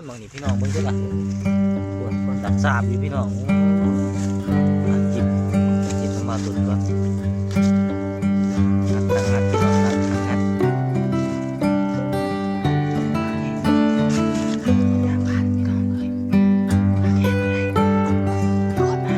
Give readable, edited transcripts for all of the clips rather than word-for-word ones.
บางนี่พี่น้องเบิ่งด้วยล่ะคนตักสาบอยู่พี่น้องจิบน้ำมาตุ่นก่อนงัดพี่น้องงัดอย่าพลาดพี่น้องเลยมาแค่ไหนโดนมา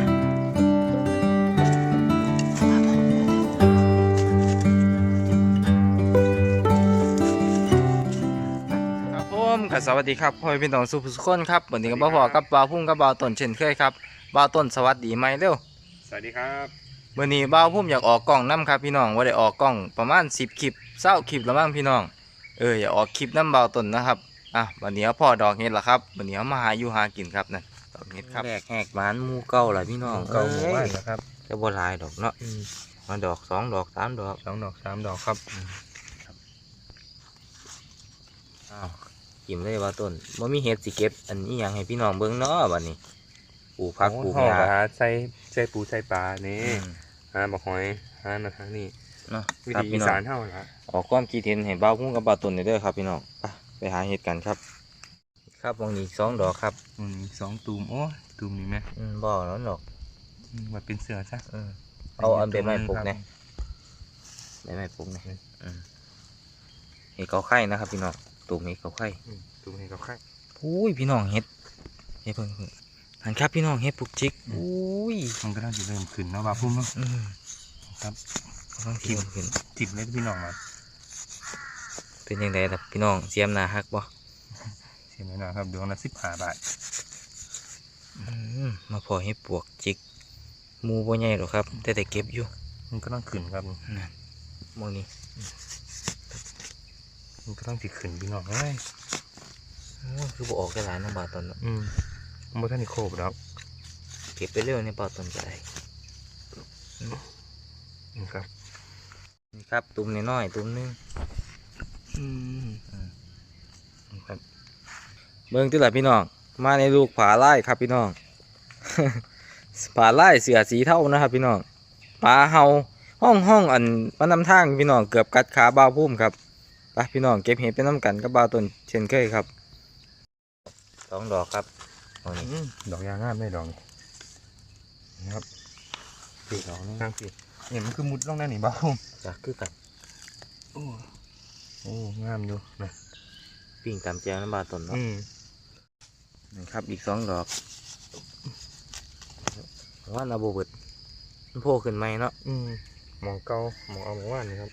ครับผมกับสวัสดีครับพ่อพี่น้องสุภุสุคนครับวันนี้กับบ่าวพอกับบ่าวพุ่งกับบ่าวต้นเช่นเคยครับบ่าวต้นสวัสดีไหมเร็วสวัสดีครับวันนี้บ่าวพุ่มอยากออกกล้องน้ำครับพี่น้องว่าได้ออกกล้องประมาณ10 คลิป20 คลิปแล้วมั้งพี่น้องอยากออกคลิปน้ำบ่าวต้นนะครับวันนี้พ่อดอกเห็ดละครับวันนี้มาหาอยู่หากินครับนั่นดอกเห็ดครับแรกแหกหวานมูเก่าล่ะพี่น้องเก่าหมู่บ้านนะครับจะบ่หลายดอกเนาะมาดอก2 ดอก3 ดอก 2 ดอก 3 ดอกครับกินเลยว่าต้นว่ามีเห็ดสิเก็บอันนี้ยังให้พี่น้องเบิ่งเนาะบัดนี้ปลูกผักปลูกหญ้าใส่ปูใส่ปลานี่บักหอยมาทางนี้เนาะวิธีอีสานเท่าละออกความคิดเห็นให้บ่าวพุ่งกับบ่าวต้นเด้อครับพี่น้องไปหาเห็ดกันครับครับวงนี้2 ดอกครับ 2 ตูมโอ้ตูมนี่ไหมบ่แล้วดอกมาเป็นเสือซะเอาอันใบไม้ปลูกเนี่ยใบไม้ปลูกเนี่ยเห็ดเขาไข่นะครับพี่น้องตูมเห็ดเขาไข่ตูมเห็ดเขาไข่อุ้ยพี่น้องเห็ดเพิ่งหันครับพี่น้องเห็ดปลูกจิกอุ้ยมันก็น่าจะเริ่มขึ้นเนาะบ่าวพุ่มเนาะครับต้องทิมขึ้นจิบเล็ดพี่น้องมาเป็นยังไงล่ะพี่น้องเสียมนาฮักบ่เสียมนาครับดวงละ15 บาทมาพอเห็ดปลวกจิกมูบ่ใหญ่หรอกครับแต่เก็บอยู่มันก็ต้องขึ้นครับมองนี้มันก็ต้องติดขึ้นพี่น้องเอ้ยคือบ่ออกได้หลายน้องบ่าวต้นมันบ่ทันได้โคบแล้วเก็บไปเรื่อยในบ่าวต้นใจนี่ครับนี่ครับตุ่มน้อยๆตุ่มนึงครับเบิ่งติล่ะพี่น้องมาในลูกผาไล่ครับพี่น้องผาไล่เสือสีเทานะครับพี่น้องปลาเห่าห้องอันมันนำทางพี่น้องเกือบกัดขาบ่าวพุ่มครับไปพี่น้องเก็บเห็ดเป็นน้ำกันกับบ่าวต้นเช่นเคยครับ2 ดอกครับดอกยางงามได้ดอกนี่ครับปีดอกนี่ข้างปีเนี่ยมันคือมุดลงได้หนิบ่าวพุ่มจะคือกันโอ้งามอยู่นะปิ้งตามแจงน้ำบ่าวต้นเนาะนี่ครับอีก2 ดอกว่านาโบเบิดมันโผล่ขึ้นไหมเนาะมองเก่ามองเอาหมู่บ้านนี่ครับ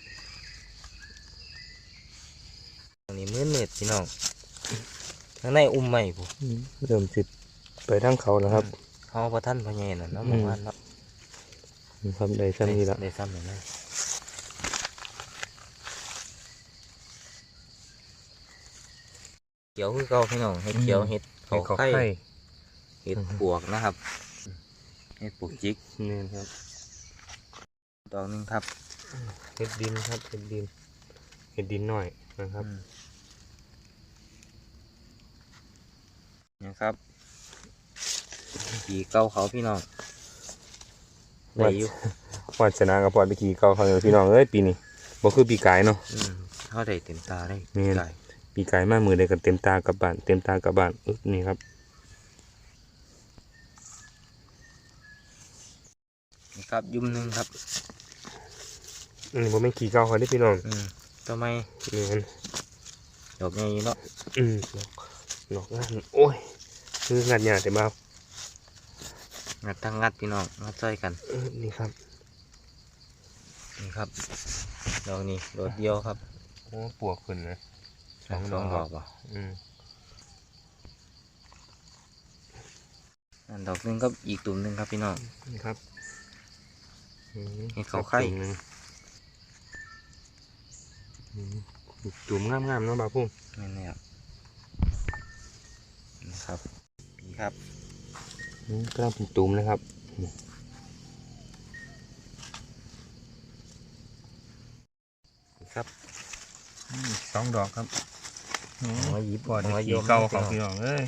อันนี้มืดพี่น้องข้างในใหม่ผมเริ่มสิไปทั้งเขาแล้วครับเขาพระท่านพระเยนน่ะหมู่บ้านเนาะครับได้ซ้ำนี่แล้วได้ซ้ำเลยนะเขียวคือเก่าพี่น้องเห็ดเขียวเห็ดเขาไข่เห็ดปวกนะครับเห็ดปวกจิกนี่ครับดอกนึงครับเห็ดดินครับเห็ดดินหน่อยนะครับนะครับขี่เก้าเขาพี่น้องได้อยู่วัดชนะกับพอดไปขี่เก้าเขาเลยพี่น้องเอ้ยปีนี้บ่คือปีกายเนาะเขาได้เต็มตาได้ปีกายมากมือได้กันเต็มตากับบ้านนี่ครับนี่ครับยุ่มนึงครับนี่ผมไม่ขี่เก้าเขาได้พี่น้องทำไมนี่มันดอกใหญ่เนาะดอกงานโอ้ยคืองานใหญ่แต่บ้างัดทั้งงัดพี่น้องงัดใส่กันนี่ครับดอกนี้ดอกเดียวครับโอ้ปวกขึ้นนะ 2 ดอกป่ะดอกนึงก็อีกตุ่มนึงครับพี่น้องนี่ครับให้เขาไข่ตุ่มงามๆเนาะบ่าวพุ่มนี่ครับปีครับก็ต้องเป็นตุ่มนะครับครับ 2 ดอกครับมาหยิบก่อนขี่เก่าของพี่น้องเอ้ย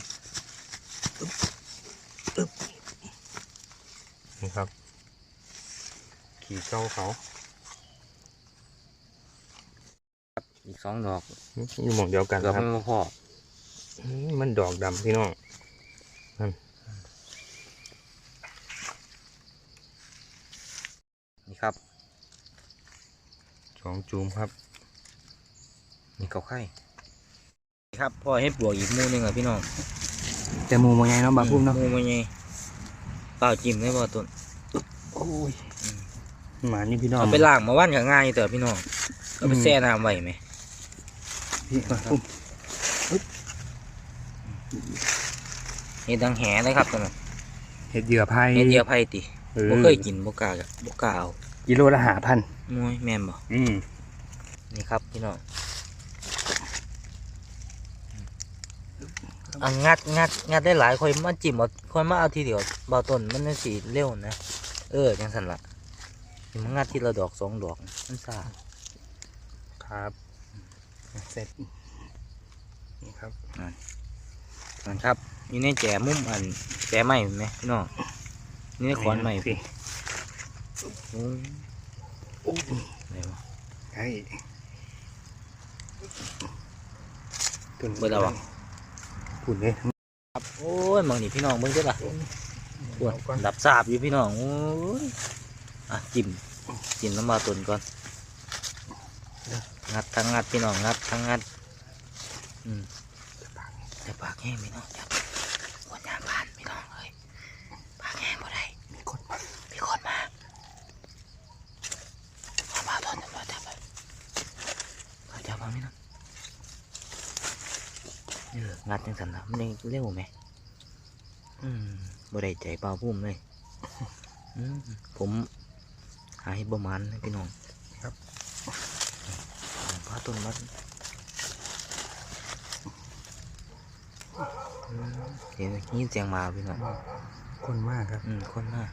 นี่ครับขี่เก่าเขาอีก2 ดอกอยู่หมองเดียวกันครับไม่พอมันดอกดำพี่น้องนั่นนี่ครับ 2 จูมครับนี่เกาไข่นี่ครับพ่อให้ปลวกอีกหมูหนึงอ่ะพี่น้องแต่หมูมันใหญ่เนาะบาพุ่มเนาะหมูมันไงเปล่าจิ้มได้บ่ต้นโอ้ยหมานี่พี่น้องเอาไปล้างมาวันก็ง่ายแต่พี่น้องเอาไปแช่น้ำไว้ไหมพี่บาพุ่มเห็ดดังแหเลยครับตอนนั้นเห็ดเหยื่อไผ่เห็ดเดียวไผ่ติเออบ่เคยกินบ่กล้ากับบ่กล้าเอากิโลละ5,000 มวยแม่นบ่ นี่ครับพี่น้องอันงัดได้หลายค่อยมาจิ้มเอาค่อยมาเอาทีเดียวเบาต้นมันน่าสิเร็วนะจังซั่นล่ะมันงัดทีละดอก2 ดอกมันซ่าครับเสร็จนี่ครับนั่นครับอยู่ในแจมุมอันแจไม้เห็นไหมพี่น้องนี่ในขอนไม้พี่โอ้ยอะไรวะไอ้ตุ่นเบิดแล้ววะปุ่นเลยครับโอ้ยมองนี่พี่น้องเบิ่งเด้อล่ะปวดดับสาบอยู่พี่น้องโอ้ยอ่ะจิ้มน้ำมาตุนก่อนงัดทั้งงัดพี่น้องงัดทั้งงัดจะปากแห้งพี่น้องจับคนยางผ่านพี่น้องเลยปากแห้งบ่ได้มีคนมาเอามาต้นจับไปจับมาพี่น้องงัดจังสันนะมันได้เร็วไหมบ่ได้ใจเปล่าพุ่มเลยผมหาให้ประมาณนะพี่น้องครับพาต้นมัดเห็นยินเสียงมาพี่น้องคนมากครับคนมาก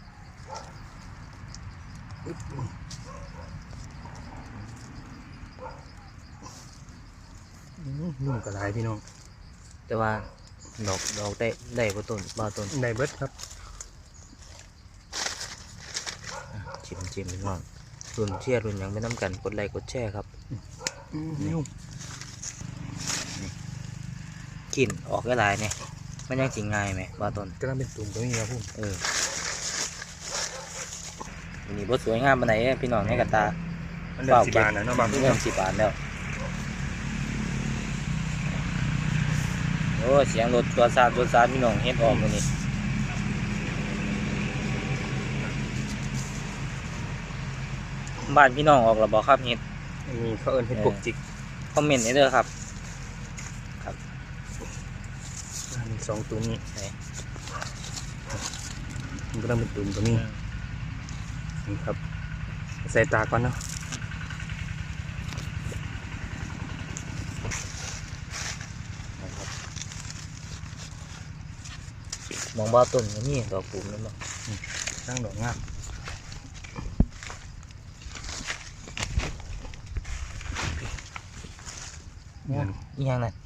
นุ่มกระไรพี่น้องแต่ว่าดอกได้บ่ต้นบ่ต้นได้เบิดครับชิมพี่น้องรุ่นเชียร์รุ่นหยังไม่น้ำกันกดไลค์กดแชร์ครับนุ่มกินออกได้หลายเนี่ยมันยังสิง่ายไหมบ่ต้นกำลังเป็นตุ่มตรงนี้ครับผมวันนี้บ่สวยงามปานไหนพี่น้องในกระตามันเดือด10 บาทนะเนาะบางเริ่ม10 บาทแล้วโอ้เสียงรถตัวซาพี่น้องเฮ็ดออกมื้อนี้บ้านพี่น้องออกแล้วบ่ครับเฮ็ดมีเขาเอิ้นเห็ดปวกจิกคอมเมนต์ให้เด้อครับมี2ตัวนี้ไหนมันก็ต้องเป็นตุ่มตัวนี้นี่ครับใส่ตาก่อนเนาะมองบ่ต้นก็มีดอกปุ่มนั่นบ่ตั้งดอกงามอีหยังนั่น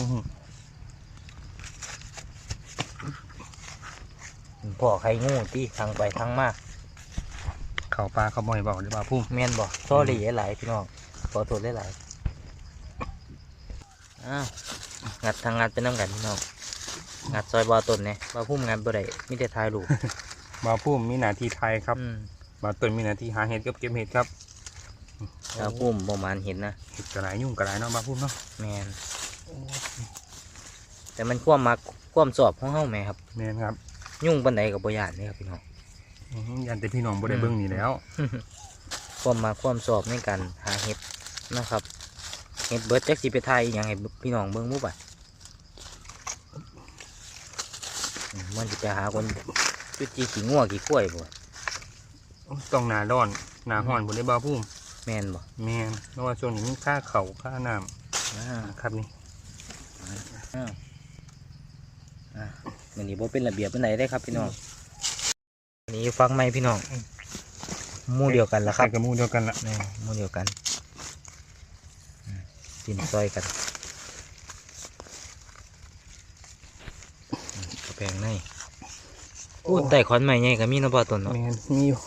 พ่อไข่งูที่ทางไปทางมาเข่าปลาเขาบ่อยบอกหรือเปล่าพุ่มแม่นบ่ซอรี่หลายๆพี่น้องขอโทษหลายๆอ้าวงัดทางงัดเป็นน้ำกันพี่น้องงัดซอยบ่ต้นเนี่ยบ่พุ่มงัดบ่ได้มีแต่ถ่ายรูปบาพุ่มมีหน้าที่ไทยครับอืมบาต้นมีหน้าที่หาเห็ดกับเก็บเห็ดครับบ่พุ่มประมาณเห็นนะเห็ดกระไรยุ่งกระไรเนาะบาพุ่มเนาะแม่นแต่มันความมักความสอบของเฮาแม่ครับแม่นครับยุ่งปานใดก็บ่ย่านนี่ครับพี่น้องยันแต่พี่น้องบ่ได้เบิ่งนี่แล้วความมาความสอบในการหาเห็ดนะครับ เห็ดเบิร์ดจักสิไปไทยอหย่างให้พี่น้องเบิ่งมุบอ่ะมันจะไปหาคนจุดจีขี้งัวขี้กล้วยบ่ต้องหนาร้อนหนาห้อนบ่ได้บาพุ่มแม่นบ่แม่นเพราะว่าช่วงนี้มีค่าเข่าค่าน้อ่าำครับนี่มันนี้บ่เป็นระเบียบเป็นไหนได้ครับพี่น้องอันนี้ฟังไหมพี่น้องหมู่เดียวกันละครับใส่กระมูเดียวกันละนี่หมู่เดียวกันกินซอยกันกระแพงในอู้แต่ขอนใหม่ไงก็มีเนาะพ่อต้นเนาะแม่นมีอยู่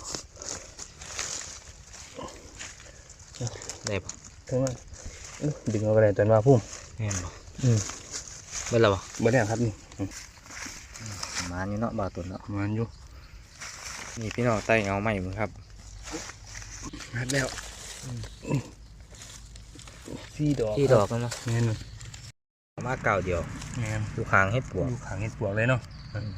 ได้ปะถึงว่าดึงเอาไปเลยจนบาพุ่มแม่นบ่เบิ่แล้วบ่เบิดแล้วครับนี่มาอยู่เนาะบ่าวตุนเนาะมันอยู่นี่พี่น้องใต้เงาใหม่มึงครับหัดแล้วสี่ดอกที่ดอกมันเนาะแม่นมาเก่าเดียวแม่นอยู่หางเฮ็ดปวกอยู่ขางเห็ดปวกเลยเนาะ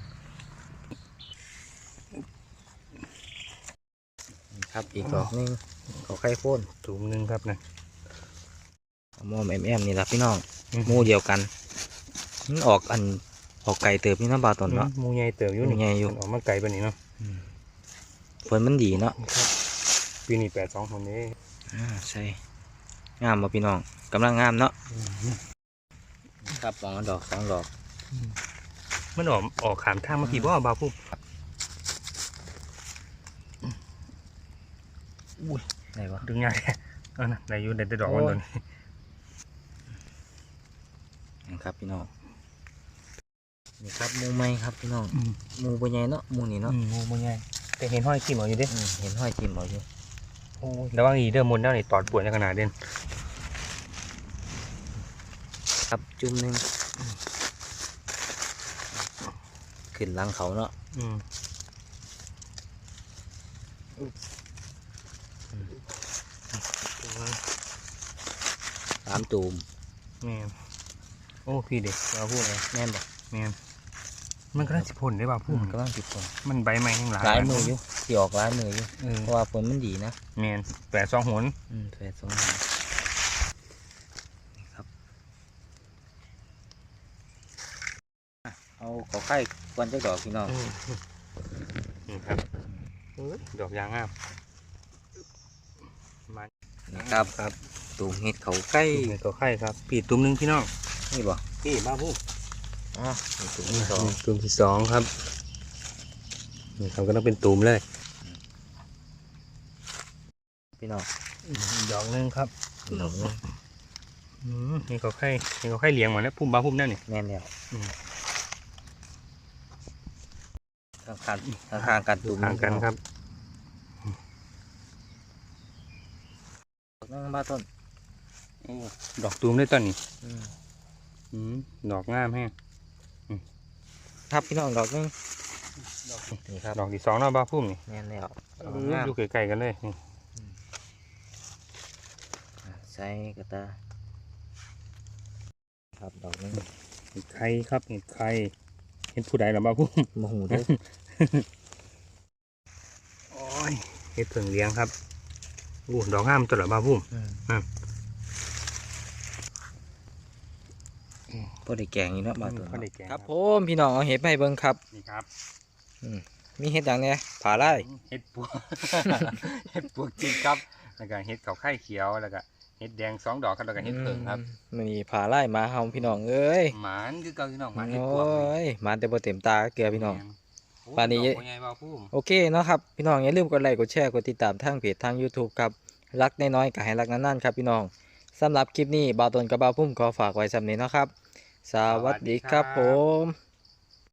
นี่ครับอีกดอกหนึงเขาไข่โพ่นถุงหนึงครับนะมอมแอมนี่ล่ะพี่น้องหมู่เดียวกันมันออกไก่เติบนี่เนาะบ่าวตุนเนาะหมูใหญ่เติบอยู่หมู่ใหญ่อยู่มันออกมาไกลปานนี้เนาะผลมันดีเนาะปีนี้82คนนี้ใช่งามบ่พี่น้องกำลังงามเนาะครับสองดอกสองดอกมันออกขามทางมาพี่บ่บ่าวพุ่มไหนวะดึงยากแท้เอานะได้อยู่ได้แต่ดอกมันโดนนี่ครับพี่น้องนี่ครับหมูไม้ครับพี่น้องหมูบ่ใหญ่เนาะหมูนี่เนาะหมูบ่ใหญ่แต่เห็นห้อยขี้หมออยู่เด้เห็นห้อยจิ้มเอาอยู่โอ้ยระวังอีเด้อมนต์แล้วนี่ตอดปวดในขนาดเด่นครับจุ่มหนึงขึ้นหลังเขาเนาะ สามตูมแม่นโอ้พี่เด็กบ่าวพุ่มแม่นบ่แม่นมันก็ได้สิพ่นได้บ่าวพุ่มกำลังติดฝนมันใบไม้แห้งหลายหลายมืออยู่ที่ออกหลายมืออยู่เออเพราะว่าฝนมันดีนะแม่น82หนแฝดสองหางนี่ครับอ่ะเอาขอไข่กวนจักดอกพี่น้องนี่ครับเอ้ยดอกยางงามมานี่ครับครับตูมเห็ดเขาใกล้นี่ก็ไข่ครับปีตุ้มหนึงพี่น้องนี่บ่พี่บ้าพุ่มอ๋อนี่ตูมที่สองตุ้มที่สองครับนี่ครับก็ต้องเป็นตุ้มเลยพี่น้องดอกหนึงครับหนูนี่ก็ไข่เลี้ยงมาแล้วพุ่มบ้าพุ่มนั่นนี่แม่นแล้วอืมข้างๆกันตูมห่างกันครับนั่งบ้านต้นดอกตุ้มได้ต้นนี่อืมดอกงามแฮงครับพี่น้องดอกหนึงนี่ครับดอกที่สองเนาะบ้าพุ่มนี่แม่นแล้วอยู่ใกล้ๆกันเลยนี่ใส่กระตาครับดอกหนึงเห็ดไข่ครับเห็ดไข่เห็ดผู้ใดหรอบ้าพุ่มโมโหเด้อโอ้ยเห็ดเผิงเลี้ยงครับอู้ดอกงามตัวเหรอบ้าพุ่มพอได้แกงอยู่เนาะบ้านต้นพอได้แกงครับผมพี่น้องเอาเห็ดมาให้เบิ่งครับนี่ครับมีเห็ดอย่างเนี้ยผาไร่เห็ดปวก เห็ดปวกจริงครับแล้วก็เห็ดเขาไข่เขียวแล้วก็เห็ดแดง2 ดอกครับแล้วก็เห็ดเผิงครับมันมีผาไร่มาเฮาพี่น้องเอ้ยหมานคือเก่าพี่น้องหมานเห็ดโอ้ปวกยมาแต่บ่เต็มตาเกลือพี่น้อง ปานนี้ดอกบัวใหญ่บ้าพุ่มโอเคเนาะครับพี่น้องอย่าลืมกดไลค์กดแชร์กดติดตามทางเพจทาง YouTube ครับรักน้อยๆก็ให้รักนานๆครับพี่น้องสำหรับคลิปนี้บ่าวตนกับบ่าวพุ่มขอฝากไว้สำนี้เนาะครับ สวัสดีครับผม